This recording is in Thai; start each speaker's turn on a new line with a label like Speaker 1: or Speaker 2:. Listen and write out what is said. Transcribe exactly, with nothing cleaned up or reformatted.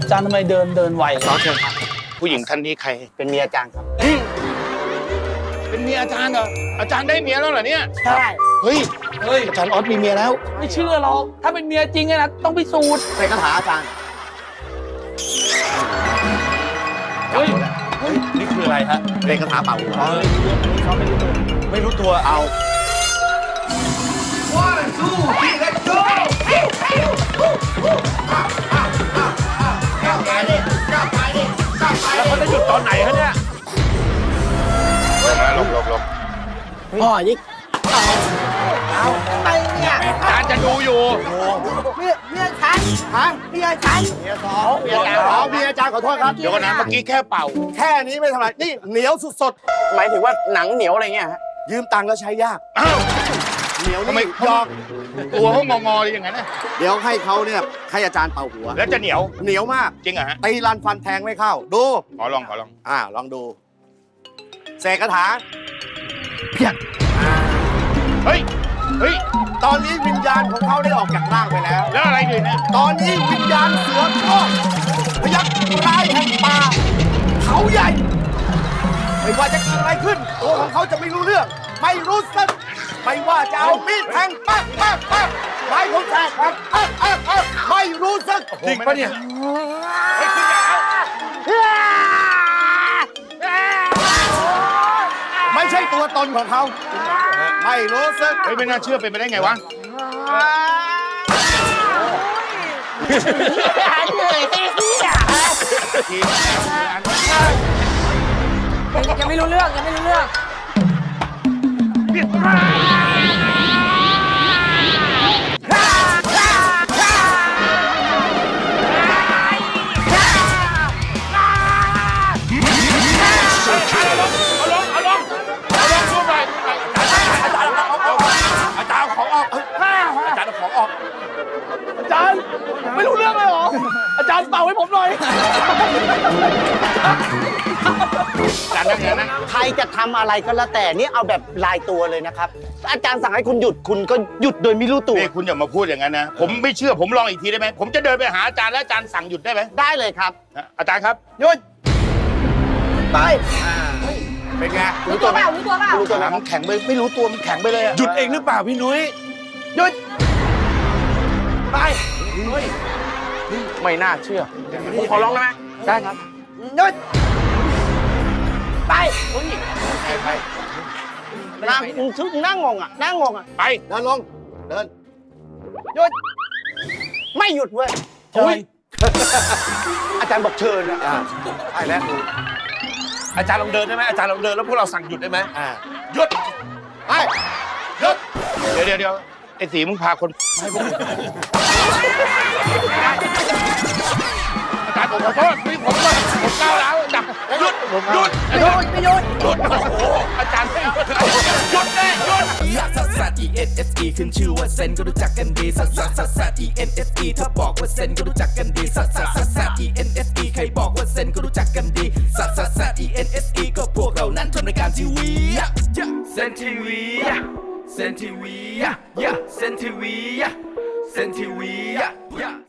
Speaker 1: จารย์ทำไมเดินเดินไว
Speaker 2: ขอเชิญครับผู้หญิงท่านนี้ใคร
Speaker 3: เป็นเมียอาจารย์ครับ
Speaker 2: เป็นเมียอาจารย์เหรออาจารย์ได้เมียแล้วเหรอเนี่ย
Speaker 3: ใช่
Speaker 2: เฮ้ย
Speaker 1: เฮ้ย
Speaker 2: อาจารย์ออสมีเมียแล้ว
Speaker 1: ไม่เชื่อหรอกถ้าเป็นเมียจริงไงนะต้องพิสูจน์
Speaker 3: ใส่คาถาอาจารย์
Speaker 1: เฮ้ย
Speaker 2: เฮ้ยนี่คืออะไรฮะ
Speaker 3: ใส่คาถาเป่าหัว
Speaker 2: ไม่รู้ตัวเอาแล้วเขาจะหยุดตอนไหนฮะเนี่ยลงลงลง
Speaker 3: พ่อยิ่งเอาไปเนี่ย
Speaker 2: อาจารย์จะดูอยู่
Speaker 3: เมียเมียฉันฮะเมียฉันเมียสองเมียอาจารย์อ๋อเมียอาจารย์ขอโทษครับ
Speaker 2: เดี๋ยวก่อนนะเมื่อกี้แค่เป่า
Speaker 3: แค่นี้ไม่ทำไรนี่เหนียวสุดๆหมายถึงว่าหนังเหนียวอะไรเงี้ยฮะยืมตังค์แล้วใช้ยาก
Speaker 2: อ้าว
Speaker 3: เหนียว
Speaker 2: ทำไม
Speaker 3: นี่ยอม
Speaker 2: ตัวเขางองอเลยอย่างนั้นนะ
Speaker 3: เดี๋ยวให้เขาเนี่ยให้อาจารย์เป่าหัว
Speaker 2: แล้วจะเหนียว
Speaker 3: เหนียวมาก
Speaker 2: จริงเหรอฮะ
Speaker 3: ตีรันฟันแทงไม่เข้าดู
Speaker 2: ขอลองขอลอง
Speaker 3: อ่าลองดูเสกคาถา
Speaker 2: เฮ้ยเฮ้ย
Speaker 3: ตอนนี้วิญญาณของเขาได้ออกจากร่างไปแล้ว
Speaker 2: แล้วอะไรอยู่เนี่ย
Speaker 3: ตอนนี้วิญญาณเสือโคร่งพยักร้ายแห่งป่าเขาใหญ่ ไม่ว่าจะเกิดอะไรขึ้น ตัวของเขาจะไม่รู้เรื่อง ไม่รู้สึก ไม่ว่าจะเอามีดแทงปั๊กปั๊กปั๊กไม้ของแทงปั๊กปั๊กปั๊กปั๊กไม่รู้สึก
Speaker 2: จริงปะเนี่ยเฮ้ยคุณอย่าเอา
Speaker 3: ไม่ใช่ตัวตนของเขา ไม่รู้สึก
Speaker 2: เฮ้ยไม่น่าเชื่อเป็นไปได้ไงวะ
Speaker 3: เหนื่อยที่เหี้ย
Speaker 1: ยังไม่รู้เรื่องยังไม่รู้เรื่อง
Speaker 2: เอาลงเอาลงเอาลงสู้หน่อยอาจารย์อาจารย์เอาของออกอาจารย์เอาของออก
Speaker 1: อาจารย์ไม่รู้เรื่องเลยเหรออาจารย์เป่าให้ผมหน่อย
Speaker 2: อาจารย์นั่งนะ
Speaker 3: ใครจะทำอะไรก็แล้วแต่นี่เอาแบบลายตัวเลยนะครับ อาจารย์สั่งให้คุณหยุดคุณก็หยุดโดยไม่รู้ตัว
Speaker 2: นี่คุณอย่ามาพูดอย่างนั้นนะ ผมไม่เชื่อผมลองอีกทีได้ไหมผมจะเดินไปหาอาจารย์แล้วอาจารย์สั่งหยุดได้ไหม
Speaker 3: ได้เลยครับ
Speaker 2: อาจารย์ครับ
Speaker 3: หยุดไปเป็นไง
Speaker 4: รู้ตัวเปล่ารู้ตัวเปล่า
Speaker 3: รู้ตัวไหม
Speaker 2: มันแข็งไปไม่รู้ตัวมันแข็งไปเลยอะ
Speaker 5: หยุดเองหรือเปล่าพี่นุ้ย
Speaker 3: หยุดไป
Speaker 5: ไม่น่าเชื่อผมขอร้องได้ไหม
Speaker 3: ได้ครับหยุดไป
Speaker 2: ไปไป
Speaker 3: นั่งชุดนั่งงงอ่ะนั่งงงอ่ะ
Speaker 2: ไป
Speaker 3: เดินลงเดินหยุดไม่หยุดเว้ย
Speaker 1: เชิญ
Speaker 3: อาจารย์บอกเชิญอ่ะไปแล้ว
Speaker 5: อาจารย์ลองเดินได้ไหมอาจารย์ลองเดินแล้วพวกเราสั่งหยุดได้ไหม
Speaker 3: อ่า
Speaker 2: หยุด
Speaker 3: ไป
Speaker 2: หยุดเดี๋ยวเดี๋ยวเดี๋ยวไอ้สีมึงพาคนให้ผมอาจารย์ผมขอโทษนี่ผมก็ผมก้าวร้าวจับหยุดหยุด
Speaker 3: หยุดไม่หยุด
Speaker 2: หยุดโอ้โหอาจารย์ไม่หยุดหยุดแน่หยุด
Speaker 6: ลักซัสซัส E N S E ขึ้นชื่อว่าเซนก็รู้จักกันดีซัสซัสซัสซัส E N S E ถ้าบอกว่าเซนก็รู้จักกันดีซัสซัสซัสซัส E N S E ใครบอกว่าเซนก็รู้จักกันดีซัสซัสซัส E N S E ก็พวกเรานั้นทำรายการทีวีเซนทีวีเซนทีวีเซนทีวีเซนทีวี